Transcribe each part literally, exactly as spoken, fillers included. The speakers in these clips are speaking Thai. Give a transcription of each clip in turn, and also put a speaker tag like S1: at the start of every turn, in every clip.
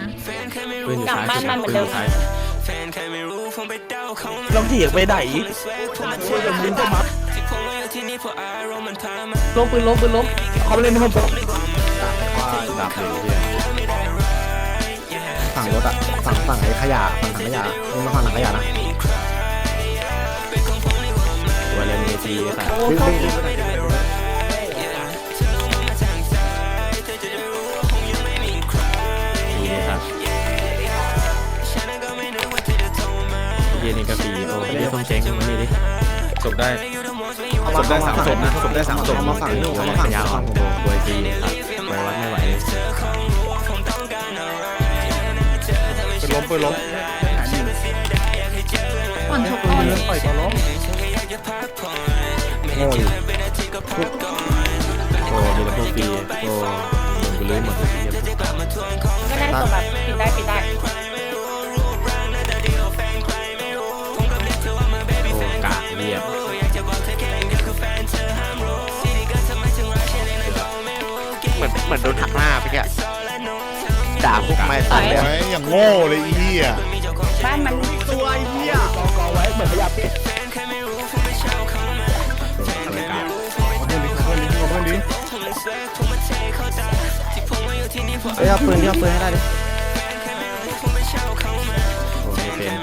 S1: ปืนอยู่
S2: กลับ
S1: ซ้าย
S2: บ้านมันเหมือนเดิม
S1: ซ้าย
S3: ลองเถียงไปไหนช่วยกันดึงเข้ามาล้มปืนล้มปืนล้มเขาเล่นไม่พ้น
S1: ดับเลยเฮีย
S4: ฝั่งรถอะฝั่งฝั่งไอ้ขยะฝั่งถังขยะมึงมาฝั่งถังขยะนะ
S1: ตัวเลนเมจีสัตว์
S4: ดึงดึงดึง
S1: ปีสัตว์เฮียนี่ก็ปีโอ้เฮียส้มเช้งมันนี่ดิจบได้จบได้สามศพนะจบได้สามศพ
S4: มาฝั่งนี้
S1: ตัว
S4: มา
S1: แรก
S4: ฝั่ง
S1: ยาว
S4: ฝั่งผม
S1: โอ้โหตัวจีสัตว์ไปวัดไม่ไหวเลย
S3: ปืนล้มปืนล้ม
S2: ก่อนชก
S3: ปื
S2: ก่อน
S3: นปล่อยตัวล้ม
S4: โง่อยู่
S1: โอ้มีแต่พวกปีโอ้โดนกูลื้อหมดเลยเฮีย
S2: ก็ได้ตัวแบบปิดได้ปิดได้
S1: โอ้กากเรียบ
S5: เหมือนเหมือนโดนหักหน้าไปแกด่าพวกไม่ตัดเลย
S6: ไว้อย่างโง่เลยอีเหี้ย
S2: บ้านมัน
S4: ตัวไอ้เหี้ย
S3: กองกองไว้เหมือนขยะเป็ด
S1: ตัวกาก
S6: เพื่อนดิเพื่อนดิเพื่อนดิ
S4: เฮ้ยเอาปืนที่เอาปืนให้ได้ดิ
S1: โอ้ไม่เป็น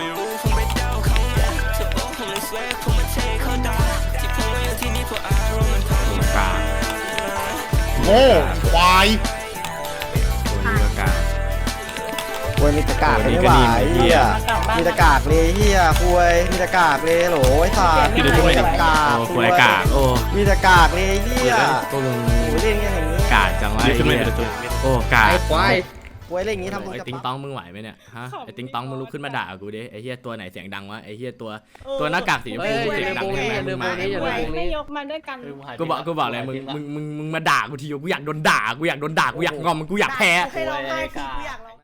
S1: ตัวกาก
S6: โง่ควาย
S1: ตัวกาก
S4: ควยมีตะกากเลยไม่ไหวเหี้ยมีตะกากเลยเหี้ยควยมีตะกากเลยโหลไอ้สัตว์มีตะกาก
S1: โอ้ตัวกากโอ้
S4: มีตะกากเลยเหี้ย
S1: ก็มึง
S4: โอ้เล่นอย่างนี้
S1: กากจังวะไอ้เหี้ยโอ้กาก
S4: ควายควยเล่นอย่างนี้ทำมึง
S1: ไอ้
S4: จะ
S1: ติ๊งต้องมึงไหวไหมเนี่ยฮะไอ้ติ๊งต้องมึงลุกขึ้นมาด่ากูดิไอ้เหี้ยตัวไหนเสียงดังวะไอ้เหี้ยตัวตัวหน้ากากสีชมพูเสียงดังใช่ไหมมึงมา
S2: ไม่ยกมาด้วยกัน
S1: กูบอกกูบอกเลยมึงมึงมึงมึงมาด่ากูทีกูอยากโดนด่ากูอยากโดนด่ากูอยากงอมกูอยากแพ้
S2: เคยร้องไห้กูอยากร้อง